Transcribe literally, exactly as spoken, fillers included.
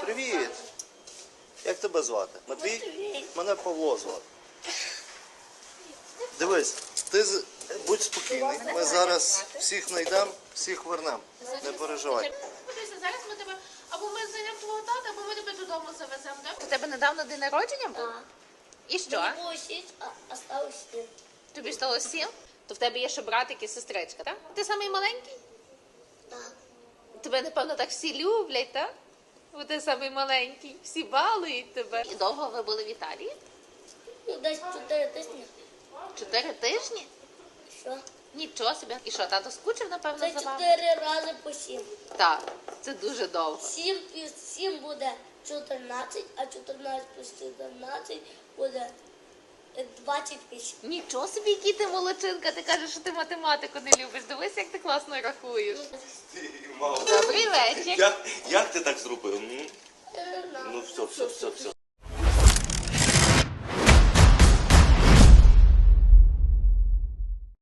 Привіт! Як тебе звати? Матвій? Мене Павло звати. Дивись, ти з- будь спокійний. Ми зараз всіх знайдемо, всіх вернемо. Не переживай. Подивися, зараз ми тебе або ми знайдемо твого тата, або ми тебе додому завеземо. Так? У тебе недавно день народження був? Да. І що? Мне было шесть, а осталось семь. Тобі стало сім? То в тебе є ще братик і сестричка, так? Ти самий маленький? Да. Тебе, напевно, так всі люблять, так? Бо ти самий маленький. Всі балують тебе. І довго ви були в Італії? Ну, десь чотири тижні. Чотири тижні? Що? Нічого собі. І що, тато скучив, напевно, Це за вами? чотири рази по сім. Так, це дуже довго. Сім плюс сім буде чотирнадцять, а чотирнадцять плюс чотирнадцять буде двадцять вісім. Нічого собі, який ти молодчинка. Ти кажеш, що ти математику не любиш. Дивись, як ти класно рахуєш. Ти, мало. Добрий вечір. Як, як ти так зробив? М? Е, на. Ну все, все, все, все.